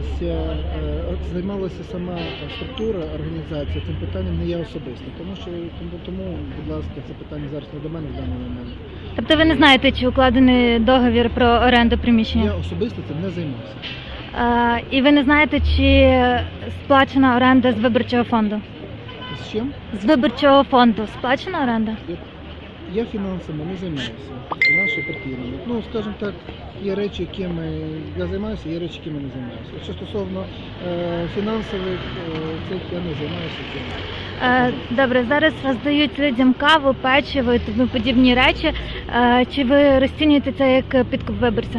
займалася сама структура, організація цим питанням, не я особисто. Тому, будь ласка, це питання зараз не до мене в даний момент. Тобто ви не знаєте, чи укладений договір про оренду приміщення? Я особисто цим не займався. І ви не знаєте, чи сплачена оренда з виборчого фонду? З чим? З виборчого фонду сплачена оренда? Я фінансами не займаюся, наші партійними. Ну, скажімо так, є речі, якими я займаюся, є речі, якими не займаюся. Що стосовно фінансових цих, я не займаюся цим. Добре, зараз роздають людям каву, печиво і тому подібні речі. Чи ви розцінюєте це як підкуп виборця?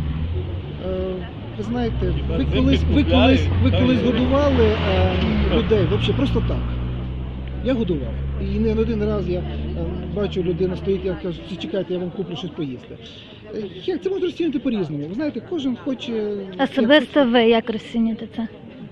Ви знаєте, ви колись годували людей, взагалі просто так. Я годував. І не один раз я бачу, людина стоїть, я кажу, чекайте, я вам куплю щось поїсти. Це можна розцінювати по-різному. Ви знаєте, кожен хоче... Особисто ви як розцінюєте це?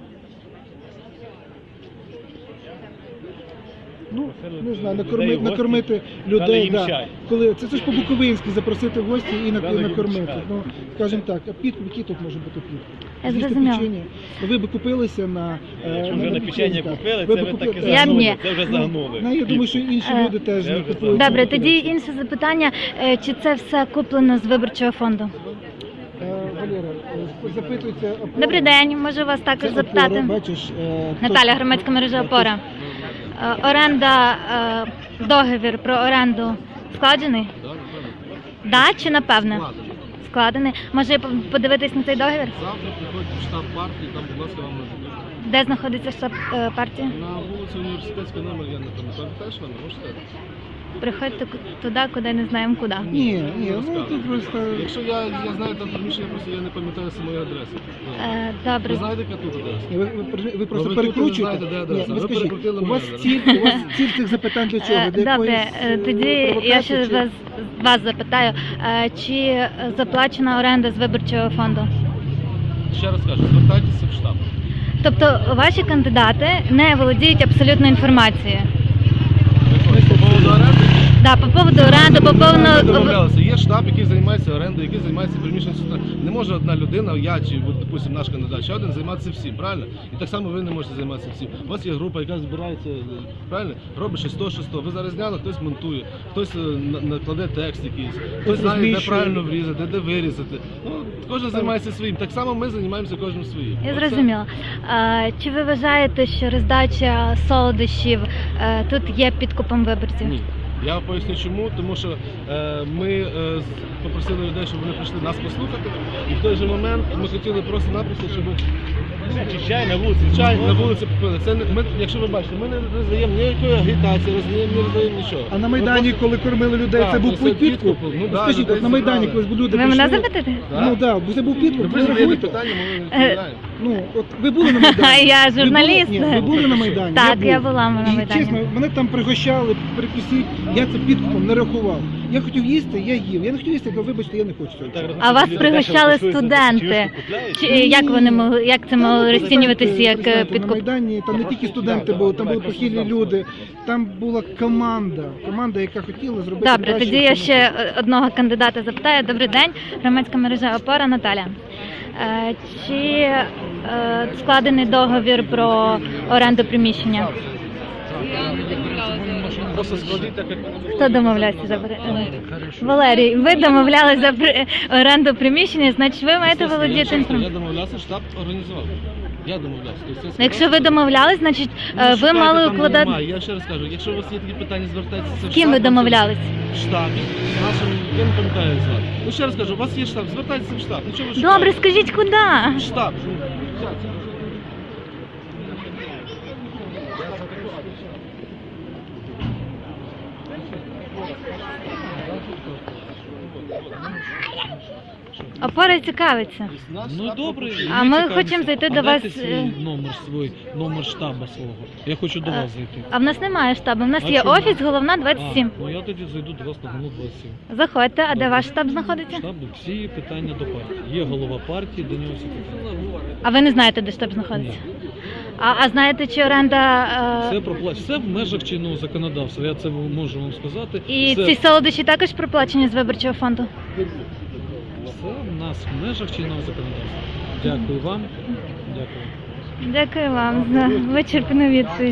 Ну, не знаю, накормити людей, да. Це ж по-буковинськи, запросити в гості і накормити. Ну, скажімо так, а підкуп, який тут може бути підкуп? Я зрозуміла. Ви б купилися на вже на печення купили, це ви таки Я б ні. загнули, це вже загнули. Ну, я думаю, що інші люди теж не купують. Добре, тоді інше запитання. Чи це все куплено з виборчого фонду? Валера, запитується... Добрий день, можу вас також запитати. Бачиш, Наталя, громадська мережа «Опора». Оренда, договір про оренду складений? Да чи напевне? Складений. Може подивитись на цей договір? Завтра приходять в штаб партії, там, будь ласка, вам нададуть. Де знаходиться штаб партії? На вулиці Університетська номер, я не пам'ятаю, теж вам можете? Приходьте туди, куди не знаємо куди. Ні, ну тут просто... Якщо я знаю там приміщення, просто я не пам'ятаю самої адреси. Добре. Ви знаєте, яка тут адреса? Ні, ви просто ви перекручуєте. тут не знаєте, де адреса. Ні, ви Ви скажіть, перекрутили у вас мене, ціль цих запитань для чого? Для Добре, якоїсь, тоді я провокації ще чи- вас запитаю, чи заплачена оренда з виборчого фонду? Ще раз кажу, звертайтеся в штаб. Тобто ваші кандидати не володіють абсолютно інформацією? По поводу оренди? Да, по поводу оренди, по Ми поводу... домовлялися. Є штаб, який займається орендою, який займається приміщенням. Не може одна людина, я чи, допустим, наш кандидат, ще один займатися всім, правильно? І так само ви не можете займатися всім. У вас є група, яка збирається, правильно? Робить щось то. Ви зараз зняли, хтось монтує, хтось накладе текст якийсь, хтось знає, де правильно врізати, де вирізати. Ну, кожен займається своїм. Так само ми займаємося кожним своїм. Я зрозуміла. Чи ви вважаєте, що роздача солодощів тут є підкупом виборців? Ні. Я поясню чому, тому що ми попросили людей, щоб вони прийшли нас послухати, і в той же момент ми хотіли просто-напросто, щоб Чай на вулиці. чай на вулиці попили. Це ми, якщо ви бачите, ми не роздаємо ніякої агітації, не роздаємо нічого. А на Майдані, коли кормили людей, Так, це був це підкуп. підкуп? Ну, да, Скажіть, людей от на Майдані, зібрали. коли люди Ви прийшли... мене запитаєте? Ну так, бо це був підкуп. Ви задаєте рахуйте. питання, ми відповідаємо. Ну, от ви були на Майдані? Я Ви були? журналіст. Ні, ви були на Майдані? Так, був. я була на І, Майдані. чесно, мене там пригощали, перекусіть, я це підкупом не рахував. Я хотів їсти, я їв. Я не хотів їсти, то вибачте, я не хочу цього. А вас пригощали студенти? Чи як вони могли, як це могло розцінюватися як На підкуп? Майдані там не тільки студенти були, там були похилі люди, там була команда, яка хотіла зробити Добре, краще, тоді я ніж ще одного кандидата запитаю. Добрий день, громадська мережа «Опора», Наталя. Чи складений договір про оренду приміщення? Просто складіть так, як Хто домовлявся? Валерій, ви домовлялися за оренду приміщення, значить ви маєте володіти Я інформацією. домовлявся, штаб організував. Я домовлявся. Тобто це Якщо ви домовлялись, значить ви шукайте, мали там укладати... немає. Я ще раз кажу, якщо у вас є такі питання, звертайтеся в штаб. З ким ви домовлялись? В штабі. З нашим, я не пам'ятаю, як звати. Ну ще раз кажу, у вас є штаб, звертайтеся в штаб. Ну чого ви Добре, шукаєте? скажіть, куди? В штаб. Опора цікавиться. Ну добре, А ми хочемо зайти до вас, свій номер штабу свого. Я хочу до вас зайти. А в нас немає штабу, в нас А є чому? офіс, головна 27. Ну я тоді зайду до вас на голову 27. Заходьте, а де Добре. ваш штаб знаходиться? Штаб, всі питання до партії. Є голова партії, до нього всі питання. А ви не знаєте, де штаб знаходиться? А знаєте, чи оренда... Все в межах чинного законодавства, я це можу вам сказати. І Все- ці солодощі також проплачені з виборчого фонду? Все в нас в межах чинного законодавства. Дякую вам. Дякую. Дякую вам за вичерпну відповідь.